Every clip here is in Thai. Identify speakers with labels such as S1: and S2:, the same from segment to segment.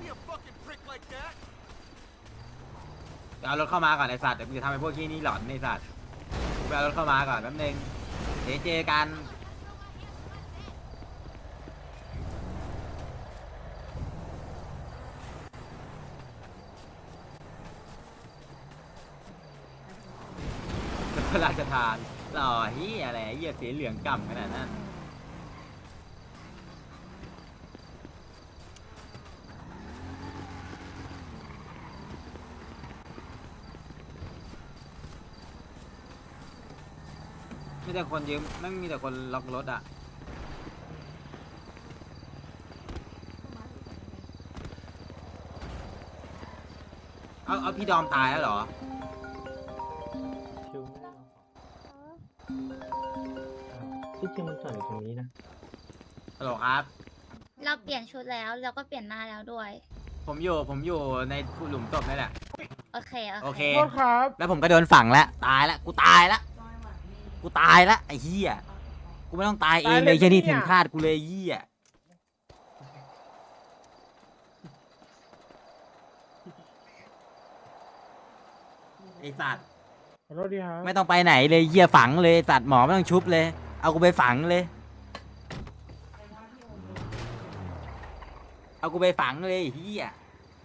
S1: เอารถเข้ามาก่อนไอ้สัตว์เดี๋ยวกูจะทำให้พวกที่นี่หลอนไอ้สัตว์ไปเอารถเข้ามาก่อนแป๊บนึงเดี๋ยวเจอกันพระราชทานหล่อเฮียอะไรเฮียสีเหลืองก่ำขนาดนั้นมีแต่คนยืมไม่มีแต่คนล็อกรถอ่ะเอาพี่ดอมตายแล้วเหรอ
S2: ที่จริงมันจอดอยู่ตรงนี้นะ
S1: ฮัลโหลครับ
S3: เราเปลี่ยนชุดแล้วเราก็เปลี่ยนหน้าแล้วด้วย
S1: ผมอยู่ในหลุมศพนี่แหละ
S3: โอเค
S1: โอเค
S4: โทษครับ
S1: แล้วผมก็โดนฝังแล้วตายแล้วกูตายแล้วไอ้เหี้ยกูไม่ต้องตายเองเลยแค่นี้ถึงคาดกูเลยไอ้เหี้ยไอ้สัตว์
S4: ขอโทษดีครับ
S1: ไม่ต้องไปไหนเลยเหี้ยฝังเลยสัตว์หมอไม่ต้องชุบเลยเอากูไปฝังเลยเอากูไปฝังเลยไอ้เหี้ย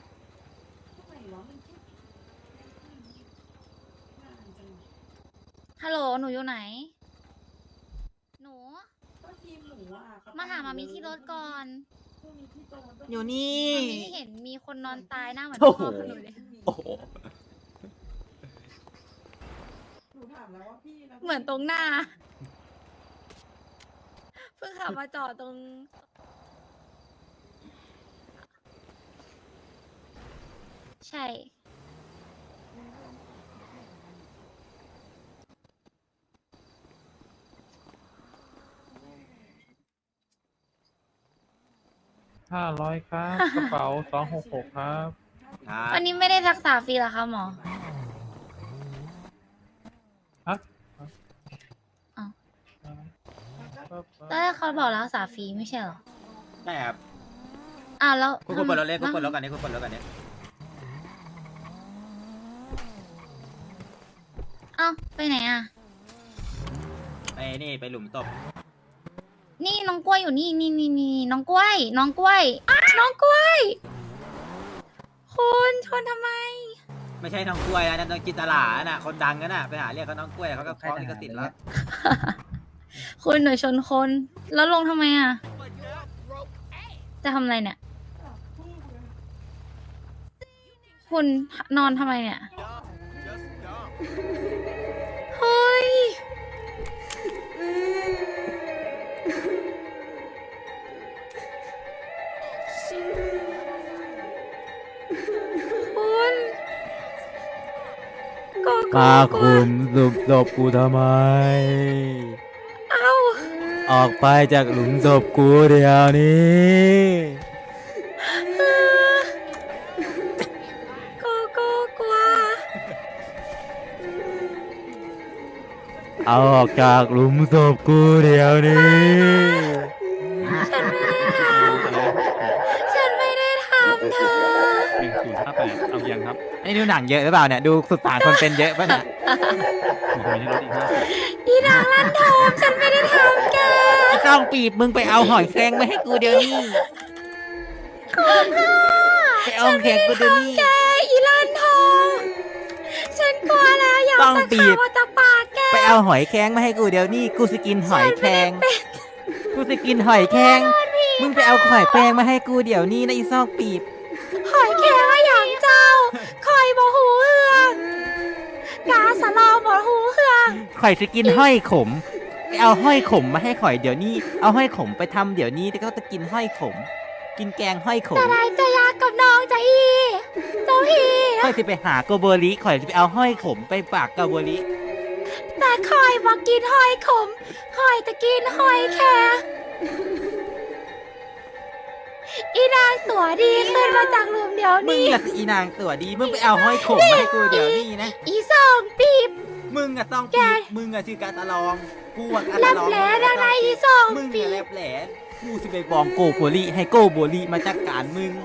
S3: ฮัลโหลหนูอยู่ไหน หนู มาหามามีที่รถก่อน
S1: อยู่นี่
S3: มามีเห็นมีคนนอนตายหน้าเหมือน
S1: โอ้
S3: พ่
S1: โห
S3: อหนูเลย
S1: โอ้โห
S3: เหมือนตรงหน้า เพิ่งขับมาจอดตรง ใช่
S4: 500 ครับ กระเป๋า 266 ครับ
S1: ครับ
S3: วันนี้ไม่ได้รักษาฟรีเหรอคะหมอ
S4: ฮะ
S3: อ้าว ตอนแรกเขาบอกรักษาฟรีไม่ใช่เหรอ
S1: ใช่ครับ
S3: อ้าวแล้ว
S1: คุณเปิดรถเลยคุณเปิดรถกันนี่คุณเปิดรถกันนี่
S3: อ้าวไปไหนอ่ะ
S1: ไปนี่ไปหลุมศพ
S3: นี่น้องกล้วยอยู่นี่นี่น้องกล้วย น้องกล้วยน้องกล้วย คุณชนทำไม
S1: ไม่ใช่น้องกล้วยนะนั่นน้องจินตลาน่ะคนดังกันน่ะไปหาเรียกเขาน้องกล้วยเขาก็ฟ้องลิขสิทธิ์แล้ว
S3: คุณหนูชนคน แล้วลงทำไมอ่ะ จะทำอะไรเนี่ย คุณนอนทำไมเนี่ย เฮ้ย คุณก็
S1: มาคุมหลุมศพกูทำไม
S3: เอ้า
S1: ออกไปจากหลุมศพกูเดี๋ยวนี้
S3: ก็กลัว
S1: เอาออกจากหลุมศพกูเดี๋ยวนี้
S3: ฉันไม่ได้ทำ ฉันไม่ได้ทำเธอ
S4: 1058 เอายังครับ
S1: อันนี้ดูหนังเยอะหรือเปล่าเนี่ยดูสุดสานคนเป็นเยอะป่ะเนี่ย
S4: อยู่ตรงนี้รถอีก50
S3: อีนางลั่นทมฉันไม่ได้ทำแก
S1: ไอ้ต้องปีบมึงไปเอาหอยแครงมาให้กูเดี๋ยวนี้ไปเอาหอยแครงกูเดี๋ยวนี้
S3: แกอีลั่นทมฉันกลัวแล้วอย่า
S1: ต้อง
S3: จะ
S1: บี
S3: ข่า
S1: บ
S3: วว่าจะปาดแก
S1: ไปเอาหอยแครงมาให้กูเดี๋ยวนี้กูสกินหอยแครงกูสกินหอยแครงมึงไปเอาหอยแครงมาให้กูเดี๋ยวนี้นะอีซอกปีบ
S3: หอยแครงว่าอย่างเจ้าคอยบ่หูเฮืองกาสะลอบ่หูเฮือง
S1: ข่อยสกินห้อยขมไปเอาห้อยขมมาให้ข่อยเดี๋ยวนี้เอาห้อยขมไปทำเดี๋ยวนี้แต่ก็จะกินห้อยขม กินแกงห้อยขม
S3: แต่ไรจะยากกับน้องจะอีเจ้าฮี
S1: ข่อยจะไปหาโกโบริข่อยจะไปเอาห้อยขมไปฝากโกโบริ
S3: แต่คอยบอกกินหอยขมคอยจะกินหอยแครงอีนางตัวดีขึ้นมาจากหลุมเดี๋ยว
S1: มึง
S3: นี้
S1: อะอีนางตัวดีมึงไปเอาห้อยขมมาให้กูเดี๋ยวนี้นะ
S3: อีสองปีบ
S1: มึงอะต้อง
S3: แก
S1: ปีบมึงอะชื่อกาตาลองกูอะกา
S3: แล
S1: ตา
S3: บ
S1: ลอง
S3: แหลดังในอีสอง
S1: มึง
S3: ปี
S1: อะแล
S3: บบ
S1: แหลกูสิไปบองโกโบริให้โกโบริมาจัดการมึง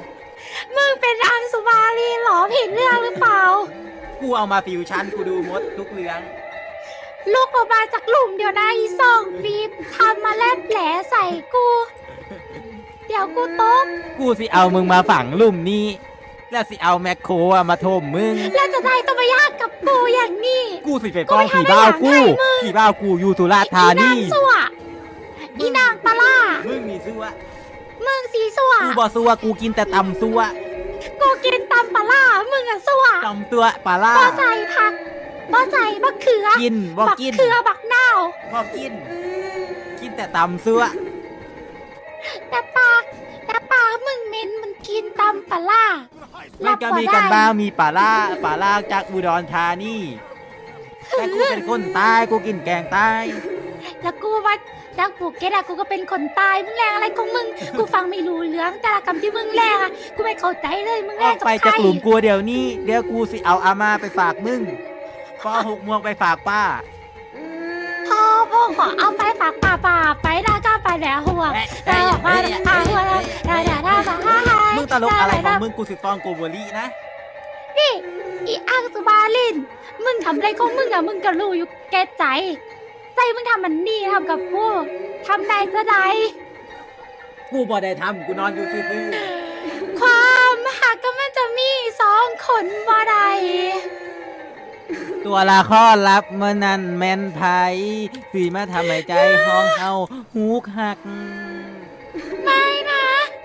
S3: มึงเป็นอังสุมาลีเหรอผิดเรื่องหรือเปล่า
S1: กูเอามาฟิวชั่นกูดูมดทุกเรื่อง
S3: ลูกออกมาจากหลุมเดี๋ยวนะอีซองรีบทำมาแลบแผลใส่กู เดี๋ยวกูตบ
S1: กูสิเอามึงมาฝังหลุมนี้ แล้วสิเอาแมคโครอะมาถมมึง
S3: แล้วจะได้ต้องมายากกับกูอย่างนี้
S1: กูสิไปฟ้องผีบ้าวกูผีบ้าวกูอยู่สุราษฎร์ธา
S3: อีนา
S1: นี
S3: งสัวอีนางปลาล่า
S1: มึงนี่ซัว
S3: มึงสีสัว
S1: กูบ่ซัวกูกินแต่ตำซัว
S3: กูกินตำปลาล่ามึงอะสัว
S1: ตำตัวปลาล่า
S3: บ่ใส่ผักบ่ใส่บักเขือ
S1: กินบ่
S3: บัก
S1: กิน
S3: เขือบักนาว
S1: บ่กิน กินแต่ตำซัว
S3: แต่ปากมึงเหม็นมันกินตำปลาล่า
S1: มันก็มีกันบ้างมีปลาล่าจากอุดรธานีแต่กูเป็นคนใตายกูกินแกงใต้
S3: แล้วกูว่าจากภูเก็ตอะกูก็เป็นคนตายมึงแรงอะไรของมึง กูฟังไม่รู้เรื่องแต่ละคำที่มึงแรงอะกูไม่เข้าใจเลยมึง
S1: อ
S3: แร
S1: อง ก
S3: กับ
S1: ไป
S3: ใคร
S1: จากหลุมกูเดี๋ยวนี้เดี๋ยวกูสิเอาอาม่าไปฝากมึงปอ6 โมงไปฝากป้า
S3: พ่อขอเอาไปฝากป่าไปนะก็ไปแล้วหัวแต่บอกว่าหัวแล้วได้
S1: มึงตลกอะไรของมึงกูสิฟ้องโกโบลีนะ
S3: นี่อีอังสุบาลินมึงทำอะไรของมึงอะมึงก็รู้อยู่แก่ใจมึงทำมันนี่ทำกับกูทำได้ก็ได้
S1: กูบ่ได้ทำกูนอนอยู่ซื่อ
S3: ความหักก็มันจะมีสองคนบ่ได้
S1: ๆตัวละครลับเมื่อนั้นแม่นไผสีมาทำให้ใจห้องเฮาหูหัก
S3: ไม่นะ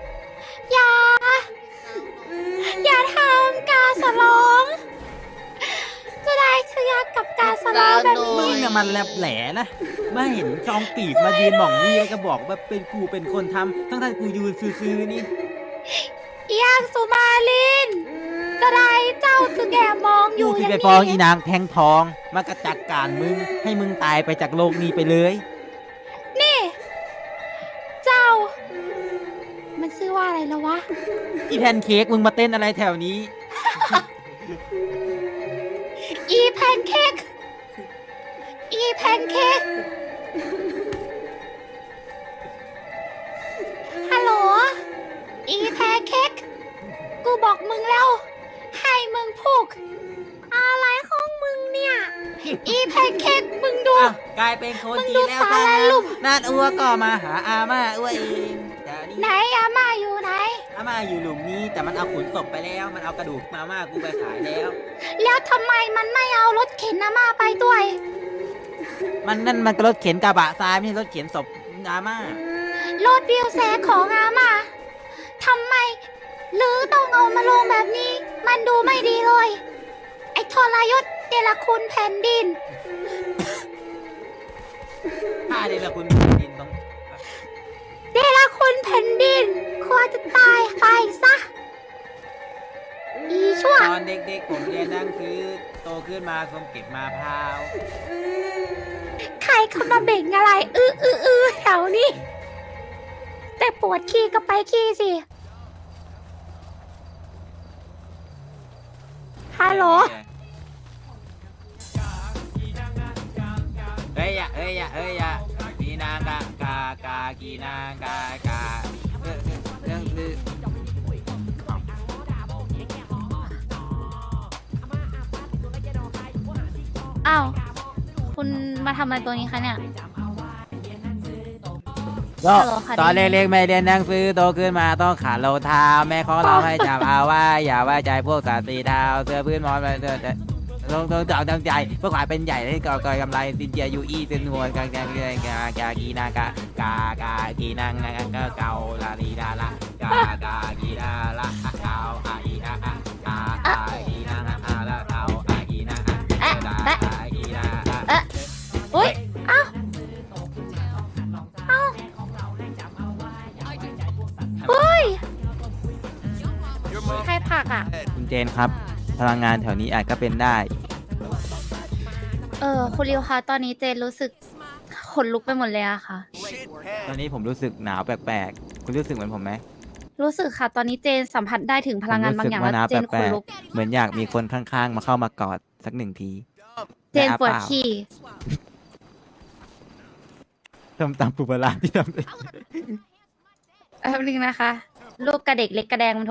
S3: อย่าทำการสลองจะได้เคลียร์กับการสลองแบบ
S1: มึ
S3: นี้
S1: งน่ะมันแลบแหลนะมาเห็นจองปีกมายืนหม่องนี่แล้วก็บอกว่าเป็นกูเป็นคนทำทั้งๆกูยืนซื่อๆนี่
S3: อีอังสุมาลินจะได้เจ้าคือแกมองอ
S1: กู
S3: ยู่
S1: สิ
S3: อย่าง
S1: ไป
S3: นี้
S1: ฟ้องอีนางแทงทองมากระจัดการมึงให้มึงตายไปจากโลกนี้ไปเลย
S3: นี่ เจ้า มันชื่อว่าอะไรแล้ววะ
S1: อีแพนเค้กมึงมาเต้นอะไรแถวนี้
S3: อีแพนเค้กอีแพนเค้กฮัลโหลอีแพนเค้กกูบอกมึงแล้ว ให้มึงพูกอะไรของมึงเนี่ย อีแพนเค้กมึงดู
S1: อ้าวกลายเป็นคนจีนแล้ว
S3: มึงดู
S1: ซะ
S3: สารลุ่ม
S1: นาดอัวก็มาหาอาม่าอัวเองแต่
S3: ไหน
S1: นี่
S3: อาม่าอยู่ไหน
S1: อาม่าอยู่หลุมนี้แต่มันเอาขุนศพไปแล้ว มันเอากระดูกมาม่ากูไปขายแล้ว
S3: แล้วทำไมมันไม่เอารถเข็นอาม่าไปด้วย
S1: มันนั่นมันก็รถเข็นกระบะทรายไม่ใช่รถเข็นศพอาม่าร
S3: ถวิวแชร์ของอาม่าทำไมหรือต้องเอามาลงแบบนี้ มันดูไม่ดีเลย ไอ้ทรยศเดลคุณแผ่นดิน
S1: ถ้าเดลคุณแผ่นดินต้อง
S3: เดลคุณแผ่นดินควรจะตายไปซะ อีชั่ว
S1: ตอนเด็กๆผมเรียนหนังสือโตขึ้นมาผมเก็บมะพร้าว
S3: ใครเข้ามาเบ่งอะไร แถวนี้ แต่ปวดขี้ก็ไปขี้สิ ฮัลโหล
S1: เฮ้ยอย่ากีนางกากีนางกเรื่องคือ
S3: อ้าว คุณมาทำอะไรตัวนี้คะเนี่ย
S1: ก็
S3: ฮัลโหลค่ะ
S1: ตอนเล็กๆไม่เรียนหนังสือโตขึ้นมาต้องขาดรองเท้าแม่ของเราให้จำเอาว่าอย่าไว้ใจพวกสัตว์สีเทาเสื้อพื้นมอนต้องจำใจเพื่อความเป็นใหญ่ให้ก่อกำไรสินเจียยูอีสินหัวกางกีนางกากีนางก็เกาลาลีดาละกากีดาละเกาอีกากีนางละเกากีนางกีนา
S3: อุ้ย เอ้า เฮ้ย ใครผลักอ่ะ
S1: คุณเจนครับพลังงานแถวนี้อาจก็เป็นได้
S3: คุณริวคะ ตอนนี้เจนรู้สึกขนลุกไปหมดเลยอะค่ะ
S1: ตอนนี้ผมรู้สึกหนาวแปลกๆคุณรู้สึกเหมือนผมไหม
S3: รู้สึกค่ะ ตอนนี้เจนสัมผัสได้ถึงพลังงานบางอย่าง
S1: ผม
S3: แล้ว
S1: รู้สึก
S3: เจน
S1: ว่าหนาว
S3: ขน
S1: แปล
S3: ลุ
S1: ก
S3: ก
S1: ๆเหมือนอยากมีคนข้างๆ มาเข้ามากอดสักหนึ่งที
S3: เจนปวดขี้
S1: ทำตามปุบลาที่ทำ
S3: แป๊บนึงนะคะ ลูกกระเด็กเล็กกระแดงมันโทร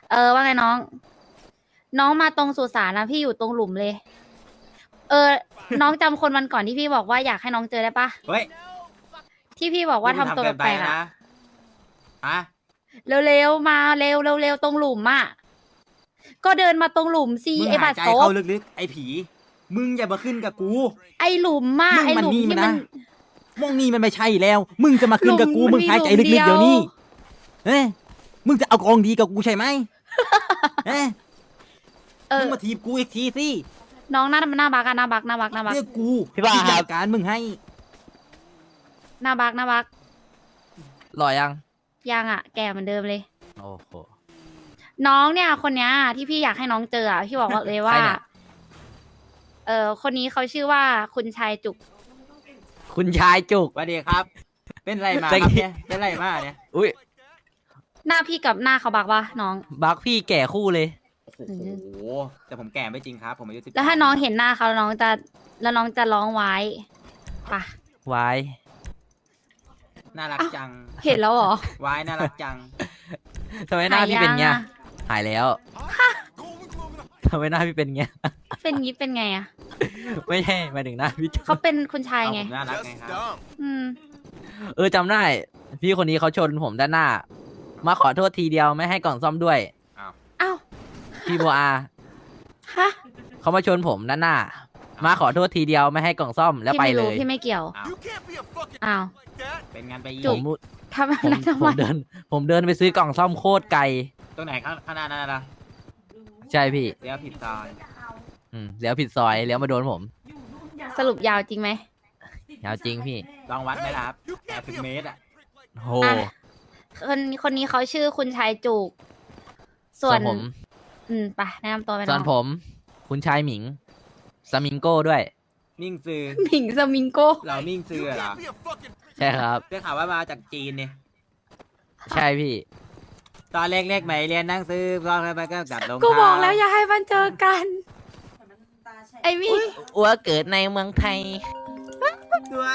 S3: ว่าไงน้อง น้องมาตรงสุสานนะพี่อยู่ตรงหลุมเลย น้องจำคนวันก่อนที่พี่บอกว่าอยากให้น้องเจอได้ปะ
S1: เฮ้ย
S3: ที่พี่บอกว่าทำตัว
S1: เกิน
S3: แปลกๆ
S1: นะ
S3: อะ
S1: ฮะ
S3: เร็วๆมาเร็วตรงหลุมอะก็เดินมาตรงหลุมสิ
S1: มึง
S3: ไอ้
S1: หา
S3: บั
S1: ย
S3: ตร
S1: ใจ
S3: ซบ
S1: เข้าลึกๆไอ้ผี มึงอย่ามาขึ้นกับกู
S3: ไอ้หลุมอะ
S1: มึง
S3: ไอ้
S1: มัน
S3: หลุม
S1: นี่
S3: ที่
S1: มัน
S3: มั
S1: นะ
S3: น
S1: มองนี่มันไม่ใช่แล้ว มึงจะมาขึ้นกับกู
S3: หลุม
S1: มึงหายใจ
S3: มันมี
S1: ลึกๆ
S3: หลุ
S1: เดี๋ยว
S3: มเดียว
S1: นี้เอ้ยมึงจะเอากองดีกับกูใช่ไหมเอ้ยมึงมาทีบกูอีกทีสิ
S3: น้องหน้าบักอะหน้าบัก
S1: เรียกกู
S5: พี่บ้าครับ
S1: จัดการมึงให้
S3: หน้าบัก
S5: หล่อยัง
S3: ยังอะแก่เหมือนเดิมเลย
S5: โอ้โห
S3: น้องเนี่ยคนเนี้ยที่พี่อยากให้น้องเจออะพี่บอกว่าเลยว่า
S5: ใครเนี่ย
S3: คนนี้เขาชื่อว่าคุณชายจุก
S5: คุณชายจุก
S1: สวัสดีครับ เป็นไรมา
S5: แต่
S1: ครับ
S5: กี้
S1: เนี่ยเป็นไรมาเนี่ย
S5: อุ้ย
S3: หน้าพี่กับหน้าเขาบักวะน้อง
S5: บักพี่แก่คู่เลย
S1: โอ้โหแต่ผมแก่ไม่จริงครับ ผมอายุ13
S3: แล้วถ้าน้องเห็นหน้าเขาแล้วน้องจะร้องไว้ปะ
S5: ไว้
S1: น่ารักจัง
S3: เห็นแล้วเหรอ
S1: วายน่ารักจัง
S5: ทำไมหน้าพี่เป็นเงี้ย
S3: หายยังอะ
S5: หายแล้วทำไมหน้าพี่เป็นเงี้ย
S3: เป็นงี้เป็นไงอะ
S5: ไม่ใช่หมายถึงหน้าพี่จุก
S3: เขาเป็นคุณชาย
S1: เอา
S3: ไง
S1: ผมน่ารักไงครับ
S3: อืม
S5: จำได้ พี่คนนี้เขาชนผมด้านหน้า มาขอโทษทีเดียวไม่ให้กล่องซ่อมด้วย
S3: อ้าว
S5: พี่โบอา
S3: ฮะ
S5: เขามาชนผมด้านหน้า มาขอโทษทีเดียวไม่ให้กล่องซ่อมแล้ว
S3: พี่
S5: ไป
S3: ไม่
S5: เล
S3: รู้
S5: ย
S3: พี่ไม่เกี่ยว
S1: อ้าว
S3: อ้าว
S1: เป็นงานไป
S3: จุ
S5: ผ
S3: ก
S5: ม
S3: ทำอะไรทำ
S5: ผ
S3: ไม
S5: มเดินไปซื้อกล่องซ่อมโคตรไกล
S1: ตรงไหนข้างหน้านั่นนะ
S5: ใช่พี่
S1: เลี้ยวผิดซอย
S5: เลี้ยวผิดซอยเลี้ยวมาโดนผม
S3: สรุปยาวจริงไหม
S5: ยาวจริงพี่
S1: ลองวัดไหมล่ะครับ80 เมตรอ่ะ
S5: โห
S3: อ่ะ คนนี้เขาชื่อคุณชายจุก ส่วน
S5: ผม
S3: ไปแนะนำตัวไป
S5: ส่วนผม คุณชายหมิงสมิงโก้ด้วย
S1: มิ่งซือ
S3: หมิงสมิงโก
S1: เรามิ่งซือเหรอ
S5: ใช่ครับ
S1: ได้ข่าวว่ามาจากจีนเนี่ย
S5: ใช่พี่
S1: ตอนเล็กๆไหมเรียนหนั่งซื้อก็ไปก็กลับลง
S3: กูบอกแล้วอย่าให้มันเจอกัน ไอ้มี่
S5: อัวเกิดในเมืองไทย
S1: ตัว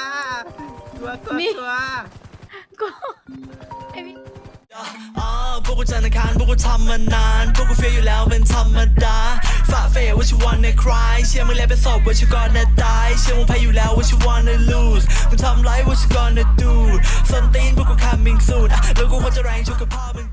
S3: นี่
S1: ตัว
S3: กูไอ้มี่
S6: พวกกูจันทร์อังคารพวกกูทำมานานพวกกูเฟียอยู่แล้วเป็นธรรมดาฝ่าเฟย what you wanna cry เชื่อมึงแล้วเป็นศพ what you gonna die เชื่อมึงแพ้อยู่แล้ว what you wanna lose มึงทำไร what you gonna do ส้นตีนพวกกู coming soon แล้วกูควรจะแรงชุกกับพ่อมึง